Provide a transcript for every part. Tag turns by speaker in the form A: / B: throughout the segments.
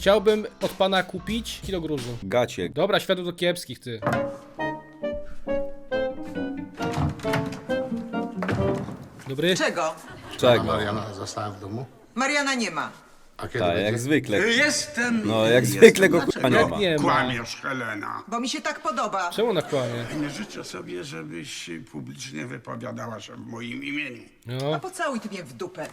A: Chciałbym od pana kupić kilo gruzu.
B: Gacie.
A: Dobra, światło do kiepskich, ty. Dobry?
C: Czego?
B: Czego?
D: Mariana została w domu?
C: Mariana nie ma.
D: A kiedy
B: Tak,
D: będzie?
B: jak zwykle.
E: Jestem.
B: No, jak
E: jestem.
B: zwykle go
E: Dlaczego?
B: kurwa nie ma.
A: Nie ma.
E: Kłamiesz, Helena.
C: Bo mi się tak podoba.
A: Czemu ona kłamie?
E: Nie życzę sobie, żebyś publicznie wypowiadała się w moim imieniu.
A: No.
C: A pocałuj ty mnie w dupę.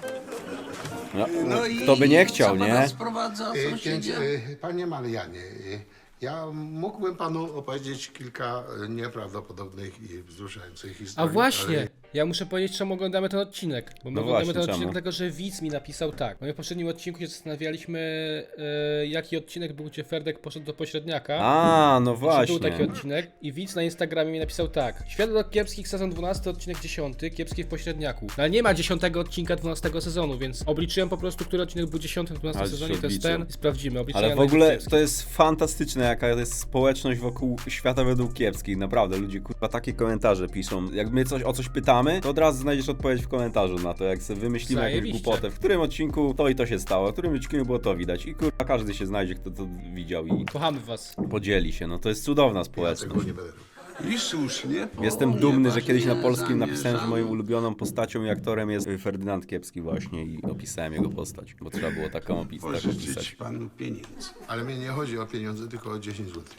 B: No, kto by nie chciał,
E: co pana
B: nie?
E: sprowadza,
D: Więc,
E: sąsiedzie?
D: panie Marianie, ja mógłbym panu opowiedzieć kilka nieprawdopodobnych i wzruszających
A: A
D: historii.
A: właśnie, ja muszę powiedzieć, czemu oglądamy ten odcinek. Bo my
B: No
A: oglądamy
B: właśnie,
A: ten odcinek
B: czemu?
A: dlatego, że widz mi napisał tak. My w poprzednim odcinku się zastanawialiśmy, jaki odcinek był, gdzie Ferdek poszedł do pośredniaka.
B: A, no
A: Czy był taki
B: właśnie.
A: odcinek i widz na Instagramie mi napisał tak. Światło do kiepskich, sezon 12, odcinek 10, kiepskie w pośredniaku. No, ale nie ma 10 odcinka 12 sezonu, więc obliczyłem po prostu, który odcinek był 10 w 12
B: Ale
A: sezonie,
B: się
A: to jest
B: obliczył.
A: ten i sprawdzimy. Obliczenia
B: Ale w
A: na
B: ogóle
A: kiepskich.
B: to jest fantastyczne, jaka jest społeczność wokół świata według kiepskich. Naprawdę, ludzie kurwa takie komentarze piszą. Jak my o coś pytamy, to od razu znajdziesz odpowiedź w komentarzu na to, jak sobie wymyślimy jakąś
A: Zajebiście.
B: głupotę. W którym odcinku to i to się stało, w którym odcinku było to widać. I kurwa każdy się znajdzie, kto to widział i
A: Kochamy was.
B: podzieli się. No to jest cudowna
D: Ja
B: społeczność.
D: tego nie będę robił.
E: I słusznie.
B: Jestem dumny, że kiedyś na
E: ponieważ
B: polskim
E: nie
B: napisałem, że moją
E: zamierzam-
B: ulubioną postacią i aktorem jest Ferdynand Kiepski właśnie i opisałem jego postać, bo trzeba było taką tak
E: Pożyczyć
B: opisać.
E: panu pieniędzy.
D: Ale mnie nie chodzi o pieniądze, tylko o 10 zł.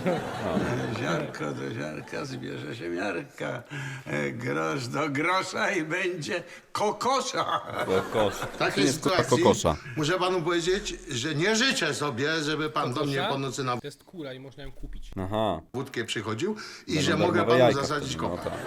E: Ziarko do ziarka zbierze się miarka. Grosz do grosza i będzie kokosza.
B: Kokos.
D: W takiej
B: Nie jest kurwa
D: sytuacji
B: kokosza.
D: muszę panu powiedzieć, że nie życzę sobie, żeby pan do mnie
A: Kokosza?
D: po nocy na
A: To jest kura i można ją kupić.
B: Aha.
D: wódkę przychodził i
B: Będą
D: że mogę
B: darmowe
D: panu
B: jajka
D: zasadzić
B: wtedy, no
D: kopa.
B: tak.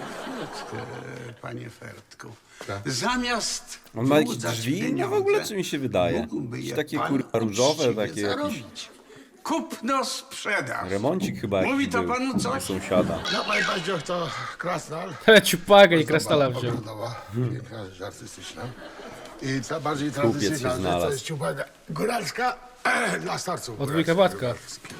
E: Panie Fertku.
D: Tak.
E: Zamiast
B: On ma jakieś
E: wyłudzać
B: drzwi? No
E: pieniądze,
B: w ogóle czy mi się wydaje?
E: mógłby
B: Jakieś
E: je
B: takie
E: pan
B: kurwa różowe,
E: uczciwie
B: takie jakiś
E: zarobić. Kupno sprzedaż.
B: remoncik chyba jakiś
E: Mówi to
B: był
E: panu
B: u
E: coś?
B: sąsiada.
D: No panie Paździoch, to krasnal.
A: Ale ciupagę i krastala wziął.
D: Ogrodowa, piękna rzecz artystyczna. I ta bardziej
B: się
D: tradycyjna rzecz
B: znalazł.
D: to jest ciupaga góralska dla starców.
A: Od wujka Władka.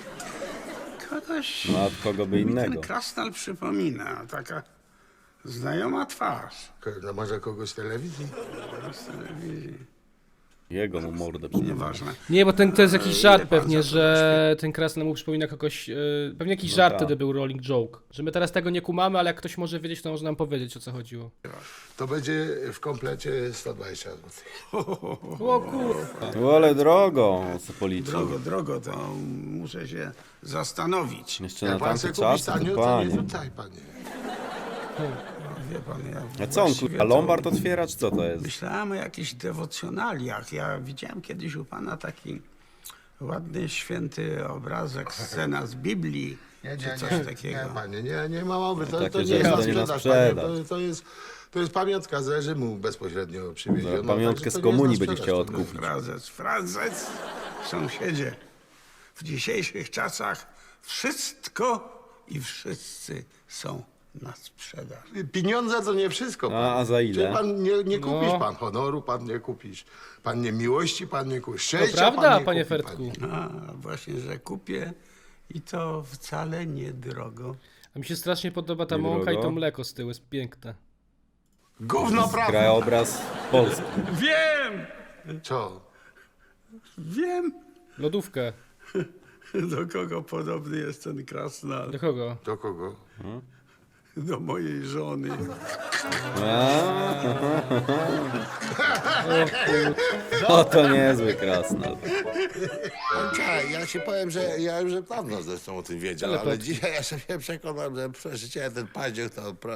E: Kogoś
B: No, a od kogo by
E: mi
B: innego?
E: ten krasnal przypomina. Taka znajoma twarz.
D: No może kogoś z telewizji?
E: Z telewizji.
B: Jego mu mordę przypomina.
E: Nieważne.
A: Nie, bo to jest jakiś żart
E: Ile pan
A: pewnie,
E: za to
A: że ten krasnal mu przypomina kogoś, pewnie jakiś żart
B: tak.
A: wtedy był rolling joke. Że my teraz tego nie kumamy, ale jak ktoś może wiedzieć, to może nam powiedzieć, o co chodziło.
D: To będzie w komplecie 120 zł.
A: O kurwa.
B: No, ale drogo, co policzył.
E: Drogo, to muszę się zastanowić.
B: Jeszcze na
D: Jak pan
B: tamte
D: chce kupić
B: czasy,
D: tanio,
B: to
D: to nie
B: panie.
D: rzucaj, panie.
E: Wie pan, ja
B: A co on
E: właściwie
B: kurwa,
E: to
B: Lombard otwiera, czy co to jest?
E: Myślałem o jakichś dewocjonaliach. Ja widziałem kiedyś u pana taki ładny, święty obrazek, scena z Biblii, czy coś takiego.
D: Nie, panie, nie ma mowy. To
B: Takie
D: nie
B: rzeczy
D: jest na
B: to nie na
D: sprzedaż, panie.
B: sprzedaż.
D: To jest pamiątka z reżimu bezpośrednio przywieziona.
B: Zaraz pamiątkę
D: także
B: z
D: to nie jest
B: komunii
D: na
B: będzie
D: sprzedaż,
B: chciał
D: to
B: odkupić.
E: Frazes, sąsiedzie. W dzisiejszych czasach wszystko i wszyscy są na sprzedaż.
D: Pieniądze to nie wszystko. Pan.
B: A za ile?
D: Czyli pan nie kupisz
A: No.
D: pan honoru, pan nie kupisz. Pan nie miłości, pan nie kupisz.
A: To
D: Szczęścia,
A: prawda,
D: pan nie
A: panie
D: kupi,
A: Fertku.
E: A, właśnie, że kupię i to wcale nie drogo.
A: A mi się strasznie podoba ta
B: Nie
A: mąka i
B: drogo.
A: to mleko z tyłu, jest piękne.
D: Gówno prawda.
B: Krajobraz Polski.
E: Wiem!
D: Co?
E: Wiem,
A: Lodówkę.
E: do kogo podobny jest ten krasnal.
A: Do kogo?
D: Do kogo?
E: Do mojej żony.
B: O, to niezły krasnal.
F: Tak, ja ci powiem, że ja już dawno zresztą o tym wiedział, ale
A: Telepatki.
F: dzisiaj ja się przekonam, że przeżycie ten paździerz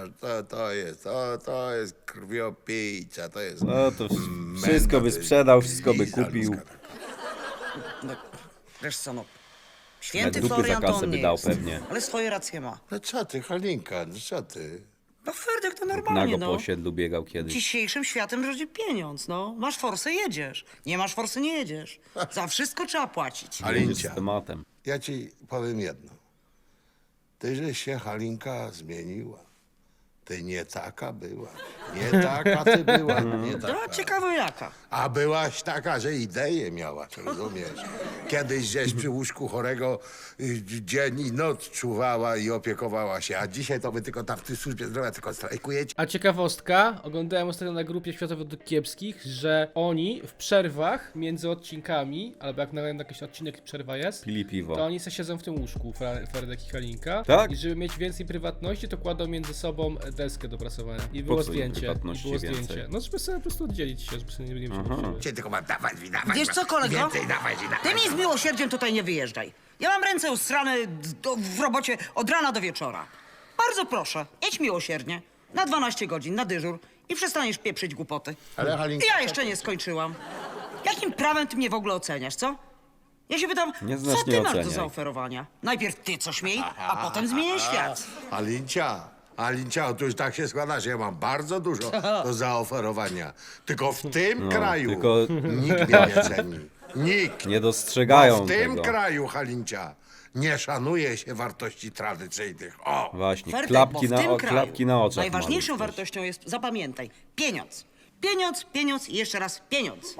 F: to jest krwiopijca, to jest...
B: No to wszystko by sprzedał, wszystko by
F: Liza
B: kupił.
F: ludzka.
G: No, wiesz co, no.
B: Nawet
G: Święty
B: dupy za
G: Florian to
B: kasę
G: on
B: by
G: nie
B: dał
G: jest,
B: pewnie.
G: ale swoje racje ma.
F: No co ty, Halinka, no co ty?
G: No Ferdek to normalnie,
B: Nago po
G: no.
B: osiedlu biegał kiedyś.
G: Dzisiejszym światem rządzi pieniądz, no. Masz forsę, jedziesz. Nie masz forsy, nie jedziesz. Za wszystko trzeba płacić.
B: Będzie z
F: Halincia,
B: tematem.
F: ja ci powiem jedno. Ty, żeś się Halinka zmieniła. Ty nie taka była. Nie taka ty była. Nie taka.
G: No, ciekawe jaka.
F: A byłaś taka, że ideę miałaś, rozumiesz? Kiedyś gdzieś przy łóżku chorego dzień i noc czuwała i opiekowała się, a dzisiaj to wy tylko tam w tej służbie zdrowia tylko strajkujecie.
A: A ciekawostka, oglądałem ostatnio na grupie Świata Według Kiepskich, że oni w przerwach między odcinkami, albo jak na jakiś odcinek przerwa jest,
B: Pili piwo.
A: to oni se siedzą w tym łóżku, Fredek i Halinka.
B: Tak?
A: I żeby mieć więcej prywatności, to kładą między sobą deskę do prasowania. I było
B: co im
A: zdjęcie. I
B: prywatności
A: było
B: więcej?
A: zdjęcie. No żeby sobie po prostu oddzielić się, żeby sobie nie przepuściły.
F: Cię tylko mam dawać, dawać.
G: Wiesz co, kolego?
F: Więcej dawać i dawać.
G: Ty mi z miłosierdziem tutaj nie wyjeżdżaj. Ja mam ręce ustrane w robocie od rana do wieczora. Bardzo proszę, jedź miłosiernie. Na 12 godzin, na dyżur i przestaniesz pieprzyć głupoty.
F: Ale Halinka...
G: Ja jeszcze nie skończyłam. Jakim prawem ty mnie w ogóle oceniasz, co? Ja się pytam,
B: Nie znasz,
G: co ty
B: nie
G: masz do
B: oceniaj.
G: zaoferowania? Najpierw ty coś miej, a potem zmieniaj świat.
F: Alincia, to już tak się składa, że ja mam bardzo dużo do zaoferowania. Tylko w tym kraju
B: tylko-
F: nikt mnie nie ceni. Nikt.
B: Nie dostrzegają
F: Bo w tym
B: tego.
F: kraju, Halincia, nie szanuje się wartości tradycyjnych. O!
B: Właśnie,
G: Fertek,
B: klapki
G: bo w tym
B: na,
G: kraju
B: klapki na oczach.
G: najważniejszą
B: maluch też.
G: wartością jest, zapamiętaj, pieniądz. Pieniądz, pieniądz i jeszcze raz pieniądz.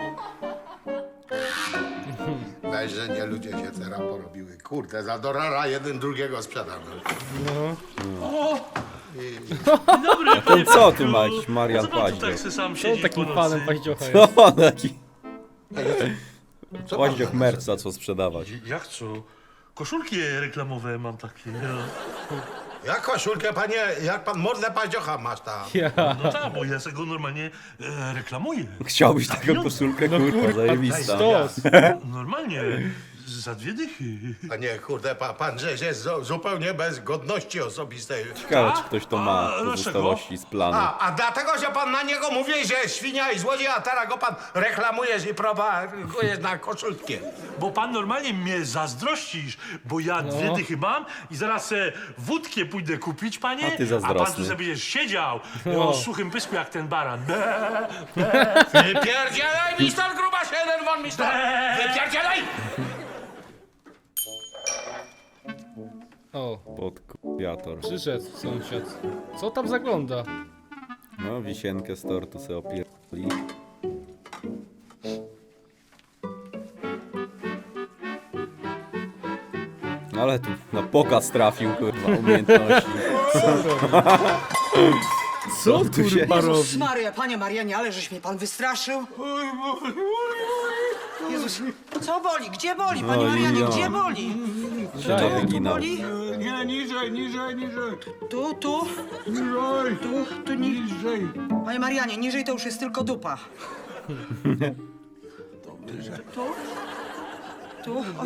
F: Weź, że nie ludzie się teraz porobiły. Kurde, za dorara jeden drugiego sprzedamy.
H: Dobry,
B: Ten co tu ma jakiś Marian
H: Co pan tu
B: Paździoch?
H: tak se sam
A: Co
H: siedzi
A: takim
H: po
A: fanem
H: nocy?
A: paździocha jest?
B: No taki... Paździoch merca, co sprzedawać.
H: Jak co? Koszulki reklamowe mam takie.
F: Jak koszulkę, panie, jak pan modne paździocha masz tam?
A: Ja.
H: No tak, bo ja sobie go normalnie reklamuję.
B: Chciałbyś taką koszulkę, kurwa, zajebista.
A: Stos.
H: Normalnie, za 2 dychy.
F: Panie, kurde, pan żeś jest zupełnie bez godności osobistej.
B: Ciekawe, czy ktoś to ma
H: A, dlaczego?
B: pozostałości z planu.
F: A dlatego, że pan na niego mówi, że jest świnia i złodziej, a teraz go pan reklamujesz i propagujesz na koszulkę.
H: Bo pan normalnie mnie zazdrościsz, bo ja 2 dychy mam i zaraz wódkę pójdę kupić, panie,
B: A ty
H: pan
B: zazdrosny.
H: tu sobie będziesz siedział
A: No.
H: o suchym pysku jak ten baran.
F: Wypierdzielaj mi stąd, gruba się, jeden won mi stąd! Wypierdzielaj!
A: O,
B: Podkupiator.
A: przyszedł sąsiad. Co tam zagląda?
B: No, wisienkę z tortu sobie opierdoli. No ale tu na pokaz trafił, kurwa, umiejętności.
A: Co
B: tu się-
G: Jezus Maria, panie Marianie, ale żeś mnie pan wystraszył. Jezus, co boli? Gdzie boli, panie
B: Oj,
G: Marianie,
B: ja.
G: gdzie boli?
B: Daje wyginał.
G: Boli?
E: Nie, niżej, niżej, niżej.
G: Tu.
E: Niżej,
G: Tu
E: niżej.
G: Panie Marianie, niżej to już jest tylko dupa. Tu? Oj,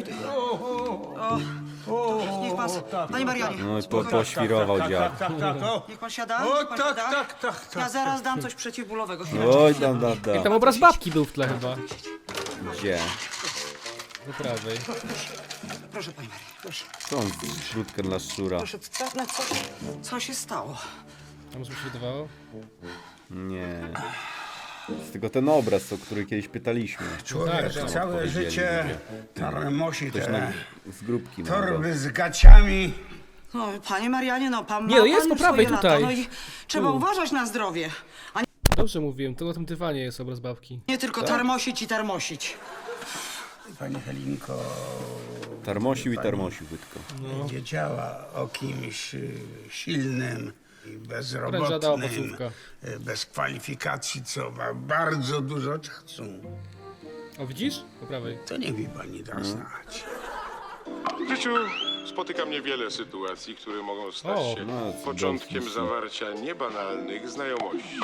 G: niech pan... Panie Marianie,
B: No i
G: spokojnie.
B: poświrował dziad.
E: Tak, o.
G: Niech pan siada,
E: O,
G: niech pan
E: tak,
G: siada.
E: tak.
G: Ja zaraz dam coś przeciwbólowego. chwileczkę.
B: Oj, da.
A: Tam obraz babki był w tle chyba.
B: Gdzie?
A: Po prawej.
G: Proszę, panie Marianie, proszę.
B: Co on śrutkę dla szczura?
G: Proszę, co się stało?
A: A może mi się wydawało?
B: Nie. Jest tylko ten obraz, o który kiedyś pytaliśmy.
E: Człowiek
A: Tak,
E: całe
B: odpowiedzieli
E: życie
B: ludzie.
E: tarmosi
B: Ktoś
E: te
B: nam z grupki nam dał.
E: torby z gaciami.
G: No, panie Marianie, no pan ma
A: Nie, no jest
G: pan
A: po
G: już
A: prawej
G: swoje
A: tutaj.
G: lata, no i trzeba uważać na zdrowie, a
A: Dobrze mówiłem, to na tym dywanie jest obraz babki.
G: nie tylko tarmosić i tarmosić.
E: Pani Helinko
B: Tarmosił i tarmosił bydko.
E: wiedziała o kimś silnym i
A: Prędzia dała
E: bezrobotnym,
A: pocówka.
E: bez kwalifikacji, co ma bardzo dużo czasu.
A: O, widzisz? Po prawej.
E: To nie mi pani da znać.
I: W życiu spotyka mnie wiele sytuacji, które mogą stać
A: O,
I: się
B: no,
I: początkiem
B: cudownie.
I: zawarcia niebanalnych znajomości.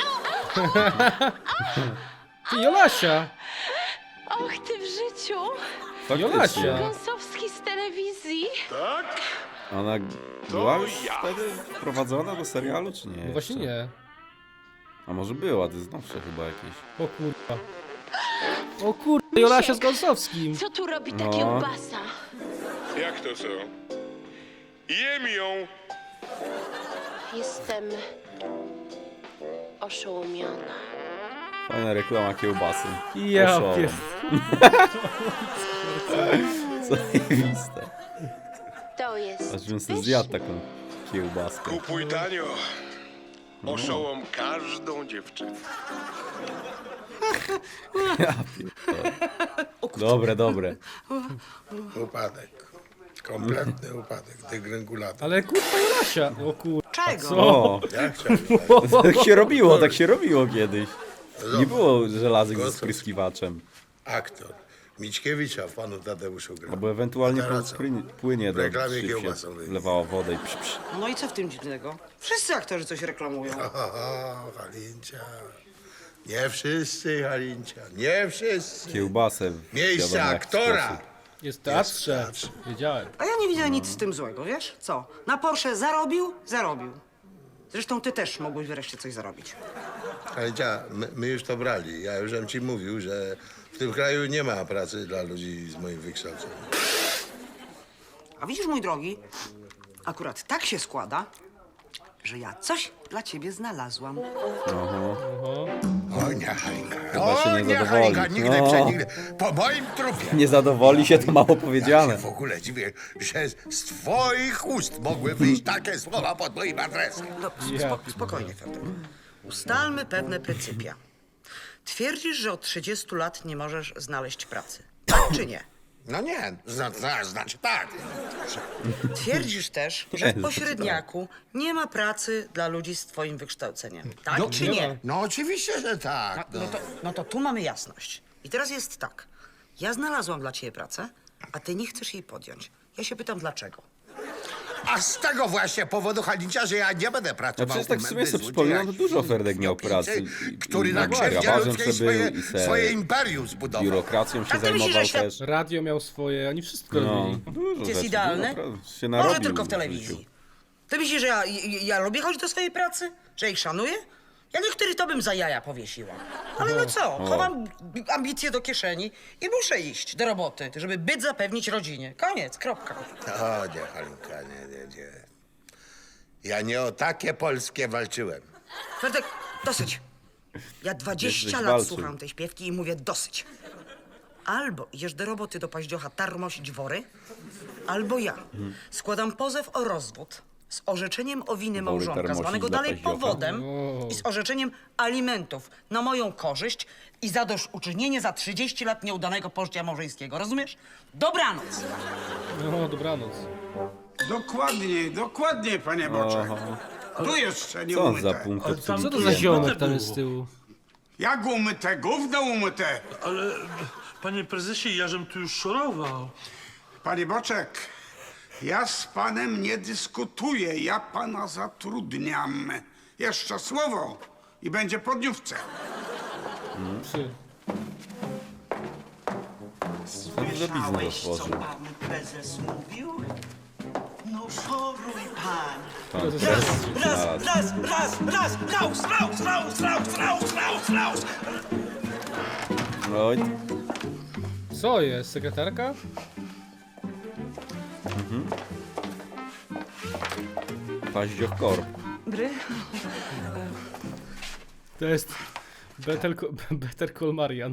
A: Ty, Jolasia!
J: Och, ty w życiu!
A: Jolasia!
J: Gąsowski z telewizji.
I: Tak?
B: Ona była już wtedy wprowadzona do serialu, czy nie?
A: No właśnie
B: jeszcze?
A: nie.
B: A może była, to jest nowsze chyba jakieś.
A: O kurwa. O kurwa, Jolasia z Gąsowskim.
J: Co tu robi ta
B: No.
J: kiełbasa?
I: Jak to co? Jem ją!
J: Jestem oszołomiona.
B: Fajna reklama kiełbasy.
A: Ja
B: Oszołom.
A: pies.
B: Zajebiste.
J: To jest
B: Aż bym sobie zjadł taką kiełbaskę.
I: Kupuj tanio. oszołom każdą dziewczynę.
B: Dobre.
F: Upadek. Kompletny upadek, degrengulata.
A: Ale kurwa Jolasia. O kur...
G: Czego?
B: O,
F: Ja chciałem
B: tak się robiło kiedyś. Nie było żelazek ze
F: Gotów.
B: spryskiwaczem.
F: aktor Mickiewicza w Panu Tadeuszu grał.
B: Albo ewentualnie
F: Teraz
B: płynie
F: w
B: do
F: reklamie
B: szyb się
F: kiełbasą wyjdzie.
B: wlewało wodę i psz.
G: No i co w tym dziwnego? Wszyscy aktorzy coś reklamują.
F: O, Halincia. Nie wszyscy, Halincia, nie wszyscy.
B: Kiełbasę w
F: Miejsce
B: wiadomo jaki
F: aktora.
B: sposób.
A: Jest w teatrze.
F: teatrze.
A: Wiedziałem.
G: A ja nie widzę nic z tym złego, wiesz? Co? Na Porsche zarobił? Zarobił. Zresztą ty też mogłeś wreszcie coś zarobić.
F: Halincia, my już to brali. Ja już bym ci mówił, że w tym kraju nie ma pracy dla ludzi z moim wykształceniem.
G: A widzisz, mój drogi, akurat tak się składa, że ja coś dla ciebie znalazłam.
F: O nie, Halinka.
B: Chyba się nie
F: nie,
B: zadowoli.
F: Halinka, nigdy,
B: No.
F: przenigdy. Po moim trupie.
B: Nie zadowoli się, to mało
F: Ja się
B: powiedziane.
F: w ogóle dziwię, że z twoich ust mogły wyjść takie słowa pod moim adresem.
G: No, spokojnie, Ferdek. Ustalmy pewne pryncypia. Twierdzisz, że od 30 lat nie możesz znaleźć pracy. Tak czy nie?
F: No nie, znaczy tak.
G: Twierdzisz też, że w pośredniaku nie ma pracy dla ludzi z twoim wykształceniem. Tak czy nie?
F: No oczywiście, że tak.
G: No to tu mamy jasność. I teraz jest tak. Ja znalazłam dla ciebie pracę, a ty nie chcesz jej podjąć. Ja się pytam, dlaczego?
F: A z tego właśnie powodu, Halincia, że ja nie będę
B: No
F: pracował
B: przecież tak w
F: u
B: sumie
F: Mendy,
B: sobie przypominam, że dużo
F: złodziejaki,
B: Ferdek miał pracy.
F: krwiopijcy, który na
B: No,
F: krzywdzie
B: grabarzem
F: ludzkiej
B: se był
F: swoje,
B: i
F: swoje imperium zbudował.
B: biurokracją się
G: A ty myślisz,
B: zajmował
G: że świat-
B: też.
A: Radio miał swoje, oni wszystko
B: No,
A: robili.
B: dużo
G: Jest
B: rzeczy,
G: idealny?
B: naprawdę się
G: Może
B: narobił
G: tylko w
B: życiu.
G: telewizji. Ty myślisz, że ja lubię chodzić do swojej pracy? Że ich szanuję? Ja niektórych to bym za jaja powiesiła. Ale no co, chowam ambicje do kieszeni i muszę iść do roboty, żeby byt zapewnić rodzinie. Koniec, kropka.
F: O nie, Halinka, nie. Ja nie o takie polskie walczyłem.
G: Ferdek, dosyć. Ja 20
B: Jesteś
G: lat
B: walczył.
G: słucham tej śpiewki i mówię dosyć. Albo idziesz do roboty do paździocha tarmosić wory, albo ja składam pozew o rozwód z orzeczeniem o winy małżonka,
B: tarmosić
G: zwanego
B: dla
G: dalej
B: paździocha?
G: powodem i z orzeczeniem alimentów na moją korzyść i zadośćuczynienie za 30 lat nieudanego pożycia małżeńskiego. Rozumiesz? Dobranoc.
A: No, dobranoc.
E: Dokładnie, panie Boczek. Tu jeszcze nie
B: Co on za
E: umyte.
B: punkt
H: Ale
B: obsługi?
A: Co to za
H: Umyte
A: ziomek tam
H: było.
A: jest z tyłu?
E: Jak umyte? Gówno umyte.
H: Ale, panie prezesie, ja żem tu już szorował.
E: Panie Boczek, ja z panem nie dyskutuję. Ja pana zatrudniam. Jeszcze słowo i będzie po dniówce.
A: Psy.
G: Słyszałeś, co
B: otworzył.
G: pan prezes mówił? No szoruj pan.
B: Pan
G: Raz,
B: prezes
G: raz,
B: znalazł.
G: raz, raus.
B: Oj,
A: Co jest? Sekretarka?
B: Paździoch Korp.
G: Bry?
A: To jest Better Call Marian.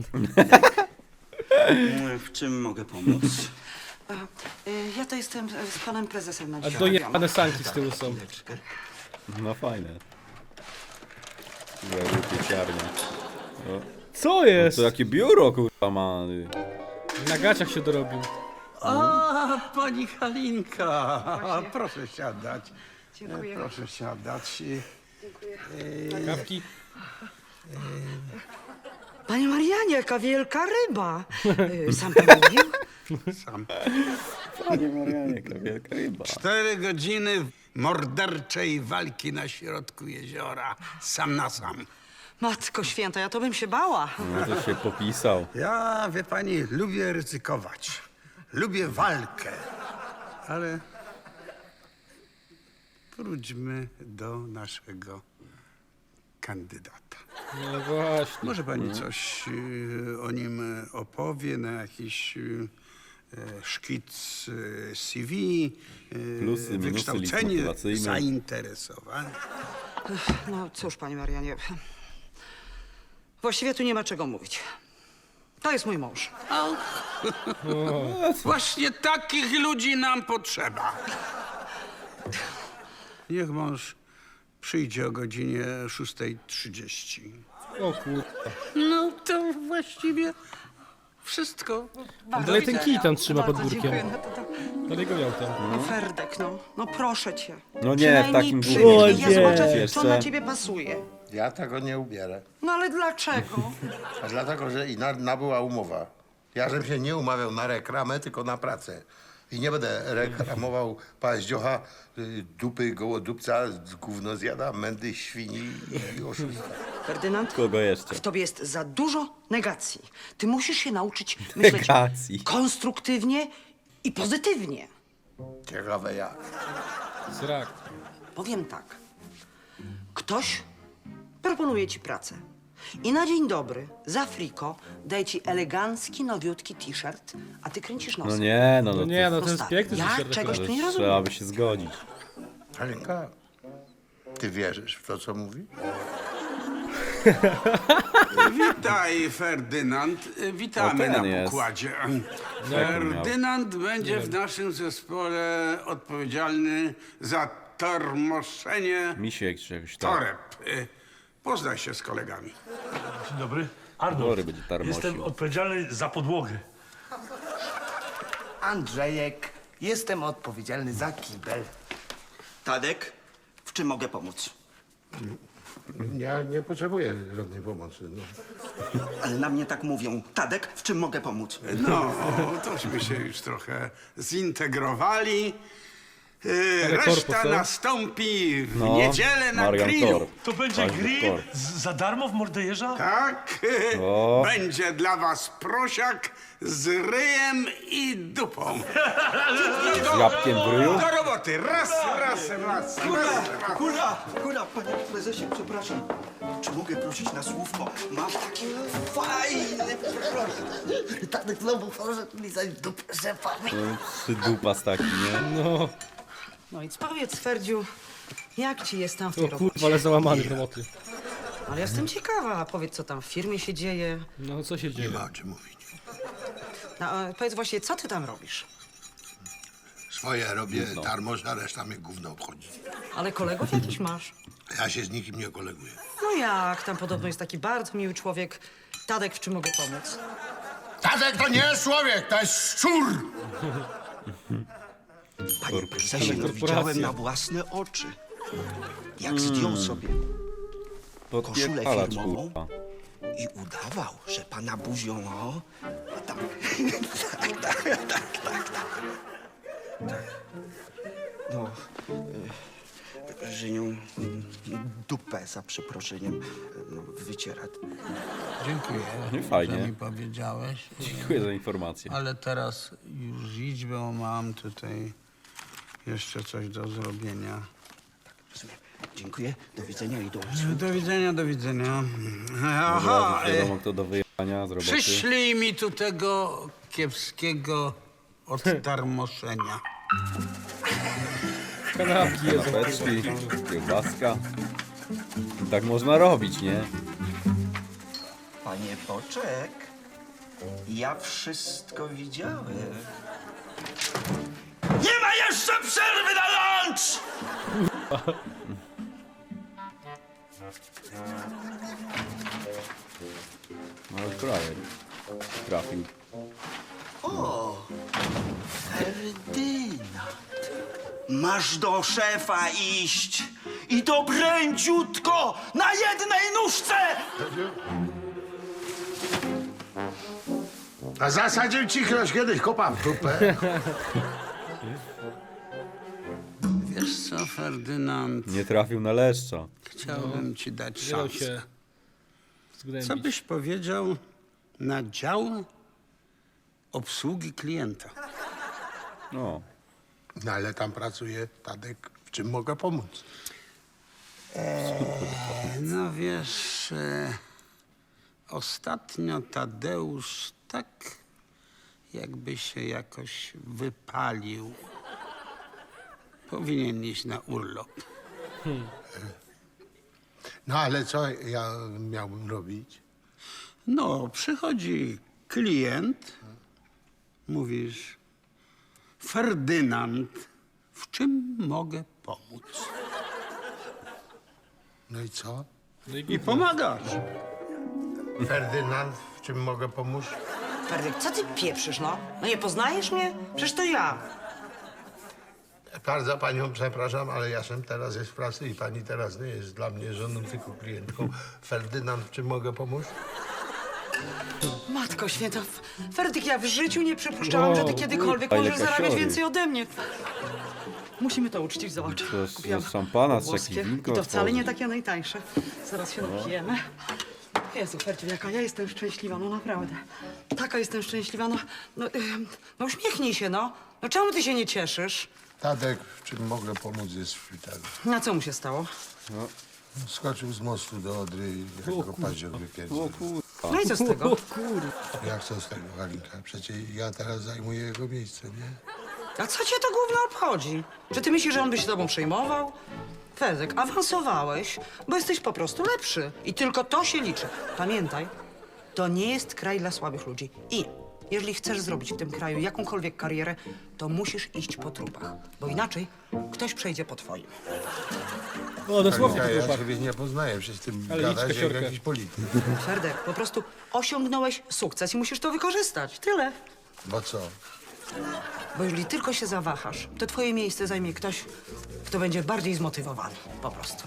K: W czym mogę pomóc?
G: Ja to jestem z panem prezesem na
A: A
G: dzisiaj.
A: dojebane sanki z tyłu są.
B: No fajne. Jakby pieciarnia.
A: Co jest?
B: To jakie biuro kurwa ma.
A: Na gaciach się dorobił.
E: A, pani Halinka. Proszę siadać.
G: Dziękuję.
E: Proszę siadać.
A: Kawki?
G: Panie Marianie, jaka wielka ryba. Sam pan mówił?
E: Sam.
B: Panie Marianie, jaka wielka ryba.
E: 4 godziny morderczej walki na środku jeziora. Sam na sam.
G: Matko święta, ja to bym się bała.
B: No to się popisał.
E: Ja, wie pani, lubię ryzykować. Lubię walkę. Ale wróćmy do naszego kandydata.
A: No właśnie.
E: Może pani coś o nim opowie na jakiś szkic CV,
B: Plusy, minusy, list
E: wykształcenie,
B: motywacyjny.
E: zainteresowanie.
G: No cóż, panie Marianie. Właściwie tu nie ma czego mówić. To jest mój mąż.
E: Właśnie takich ludzi nam potrzeba. Niech mąż Przyjdzie o godzinie 6:30.
A: O kurwa.
E: No to właściwie wszystko.
A: Dalej ten kij tam trzyma pod
G: Bardzo
A: biurkiem.
G: dziękuję.
A: Dalej go miał tam.
G: No Ferdek, no proszę cię.
B: No nie, w
G: Przynajmniej
B: takim
G: przyjdź,
B: długim.
G: ja zobaczę, co
B: Jeszcze.
G: na ciebie pasuje.
F: Ja tego nie ubierę.
G: No ale dlaczego?
F: A dlatego, że nabyła umowa. Ja żebym się nie umawiał na reklamę, tylko na pracę. I nie będę reklamował paździocha, dupy gołodupca, gówno zjada, mędy świni i oszusta.
G: Ferdynand,
B: Kogo jeszcze?
G: w tobie jest za dużo negacji. Ty musisz się nauczyć myśleć
B: Negacji.
G: konstruktywnie i pozytywnie.
F: Ciekawe jak.
A: Zrak.
G: Powiem tak. Ktoś proponuje ci pracę. I na dzień dobry, za friko, daje ci elegancki, nowiutki t-shirt, a ty kręcisz nosem.
B: No nie, no,
A: No
B: to
A: nie, no to jest
G: stary,
A: piękny
G: ja
A: t-shirt
G: czegoś
A: akurat.
G: tu nie rozumiem.
B: trzeba by się zgodzić.
F: Halinka, ty wierzysz w to, co mówi?
E: Witaj, Ferdynand. Witamy
B: O, ten
E: na
B: jest.
E: pokładzie.
B: Jak on miał?
E: Ferdynand będzie w naszym zespole odpowiedzialny za tormoszenie
B: Misiek czy jakoś tak.
E: toreb. Poznaj się z kolegami.
H: Dzień dobry. Arnold,
B: Bory będzie tarmosił.
H: jestem odpowiedzialny za podłogę.
K: Andrzejek, jestem odpowiedzialny za kibel. Tadek, w czym mogę pomóc?
F: Ja nie potrzebuję żadnej pomocy. No.
K: Ale na mnie tak mówią. Tadek, w czym mogę pomóc?
E: No, tośmy się już trochę zintegrowali.
A: Ale
E: Reszta
A: korpus,
E: nastąpi w
B: No,
E: niedzielę na
B: Marian
E: grillu.
B: Korp.
H: To będzie
B: Ważny
H: grill
B: korp.
H: za darmo w Mordejerza?
E: Tak,
B: O.
E: będzie dla was prosiak z ryjem i dupą.
B: Z jabłkiem w ryju?
E: Do roboty, raz.
K: Hura, panie prezesie, przepraszam. Czy mogę prosić na słówko? Mam taki fajny proszę. Tadek znowu poszedł mi zaś dupę szefami.
B: Przydupas taki, nie?
A: No,
G: No i powiedz, Ferdziu, jak ci jest tam w tej
A: o
G: robocie?
A: kurwa, ale załamany w roboty.
G: Ale jestem ciekawa, powiedz, co tam w firmie się dzieje.
A: No, co się dzieje?
F: Nie ma o czym mówić.
G: No, a powiedz właśnie, co ty tam robisz?
F: Swoje robię tarmoż, a reszta mnie gówno obchodzi.
G: Ale kolegów jakiś masz?
F: Ja się z nikim nie koleguję.
G: No jak, tam podobno jest taki bardzo miły człowiek. Tadek, w czym mogę pomóc?
F: Tadek to nie jest człowiek, to jest szczur!
K: Panie prezesie, no
A: korporacja.
K: widziałem na własne oczy. Jak zdjął sobie koszulę
B: Podpierdalacz,
K: firmową
B: kurwa.
K: i udawał, że pana buzią, no. A tak. No, że nią dupę, za przeproszeniem, no, wyciera.
E: Dziękuję,
B: Nie fajnie.
E: że mi powiedziałeś.
B: Dziękuję za informację.
E: Ale teraz już idź, bo mam tutaj jeszcze coś do zrobienia.
K: Rozumiem. Dziękuję, do widzenia i do usług.
E: Do widzenia, do widzenia.
B: Od
E: Aha,
B: razu wiadomo, kto do wyjechania z roboty.
E: przyślij mi tu tego kiepskiego odtarmoszenia.
A: Kanapki jedzą.
B: Kanapeczki, kiełbaska. Tak można robić, nie?
K: Panie Boczek, ja wszystko widziałem. Nie ma jeszcze przerwy na lunch!
B: No ale frajer. Trafił.
K: O, Ferdynand. Masz do szefa iść i to pręciutko, na jednej nóżce!
F: A zasadził ci ktoś kiedyś kopa w dupę.
E: Wiesz co, Ferdynand,
B: Nie trafił na leszcza.
E: chciałbym ci dać
A: Nie dał
E: szansę.
A: się zgnębić.
E: Co byś powiedział na dział obsługi klienta?
B: No.
F: No ale tam pracuje Tadek, w czym mogę pomóc?
E: No wiesz, ostatnio Tadeusz tak jakby się jakoś wypalił. Powinien iść na urlop.
F: No ale co ja miałbym robić?
E: No, przychodzi klient, mówisz, Ferdynand, w czym mogę pomóc?
D: No i co?
A: No
E: I pomagasz.
D: Ferdynand, w czym mogę pomóc?
G: Ferdek, co ty pieprzysz, no? No nie poznajesz mnie? Przecież to ja.
D: Bardzo panią przepraszam, ale ja jestem teraz jest w pracy i pani teraz nie jest dla mnie żoną, tylko klientką. Ferdynand, w czym mogę pomóc?
G: Matko święta, Ferdyk, ja w życiu nie przypuszczałam, że ty kiedykolwiek
B: Ale
G: możesz zarabiać
B: kasiory.
G: więcej ode mnie. Musimy to uczcić, zobacz.
B: To z
G: Kupiłam
B: szampana, z
G: włoskie
B: jakich winko
G: i to wcale nie
B: otworzyć.
G: takie najtańsze. Zaraz się napijemy. Jezu, Ferdziu, jaka ja jestem szczęśliwa, no naprawdę. Taka jestem szczęśliwa, no uśmiechnij się, no. No czemu ty się nie cieszysz?
D: Tadek, w czym mogę pomóc, jest w szpitalu.
G: Na co mu się stało?
D: Skoczył z mostu do Odry i jak go paździok wypierdził.
G: No i co z tego?
D: Jak co z tego, Halinka? Przecież ja teraz zajmuję jego miejsce, nie?
G: A co cię to gówno obchodzi? Czy ty myślisz, że on by się tobą przejmował? Ferdek, awansowałeś, bo jesteś po prostu lepszy. I tylko to się liczy. Pamiętaj, to nie jest kraj dla słabych ludzi. I jeżeli chcesz zrobić w tym kraju jakąkolwiek karierę, to musisz iść po trupach. Bo inaczej ktoś przejdzie po twoim.
A: O, dosłownie
D: Halinka,
A: to
D: ja
A: chłopak.
D: ciebie nie poznaję, przecież ty
A: Ale
D: gadasz
A: idź,
D: jak
A: kasiorkę.
D: jakiś polityk.
G: Ferdek, po prostu osiągnąłeś sukces i musisz to wykorzystać. Tyle.
D: Bo co?
G: Bo jeżeli tylko się zawahasz, to twoje miejsce zajmie ktoś, kto będzie bardziej zmotywowany. Po prostu.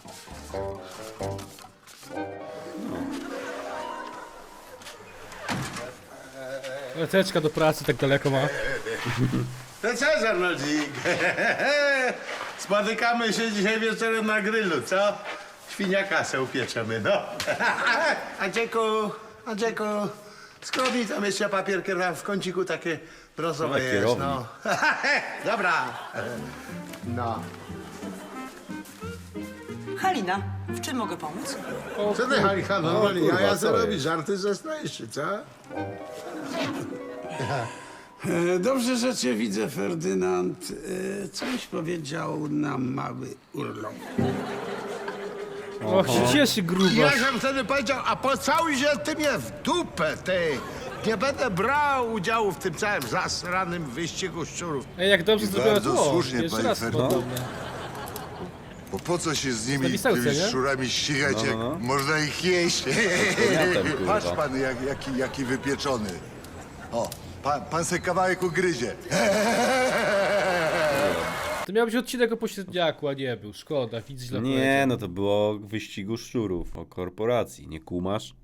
A: Lececzka do pracy tak daleko ma.
D: To co za nodzik? Spotykamy się dzisiaj wieczorem na grillu, co? Świniaka se upieczemy, no. Andrzejku, skrobnij tam jeszcze papierkę tam w kąciku takie brązowe
B: Ale
D: jest,
B: kierownik.
D: no. Dobra. No.
G: Halina, w czym mogę pomóc?
D: Co ty, Halika, normalnie?
B: kurwa,
D: Ja
B: co
D: co
B: jest?
D: robisz? Żarty ze czy co?
E: Dobrze, że cię widzę, Ferdynand. Coś powiedział nam mały urlop.
A: Och, się cieszy
D: Ja
A: grubo.
D: sam wtedy powiedział, a pocałuj się ty mnie w dupę, ty. Nie będę brał udziału w tym całym zasranym wyścigu szczurów.
A: Ej, jak dobrze zrobiła
F: bardzo
A: tło.
F: słusznie,
A: Jeszcze
F: panie
A: raz
F: Fernand.
A: podobne.
F: Bo po co się z nimi,
A: Napisałce,
F: tymi
A: nie?
F: szczurami ścigać, jak można ich jeść?
B: Powiatem, kurwa.
F: Patrz pan, jaki wypieczony. O, pan se kawałek ugryzie.
A: To miał być odcinek o pośredniaku, a nie był. Szkoda, widz źle
B: Nie,
A: powiedział.
B: no to było o wyścigu szczurów, o korporacji, nie kumasz?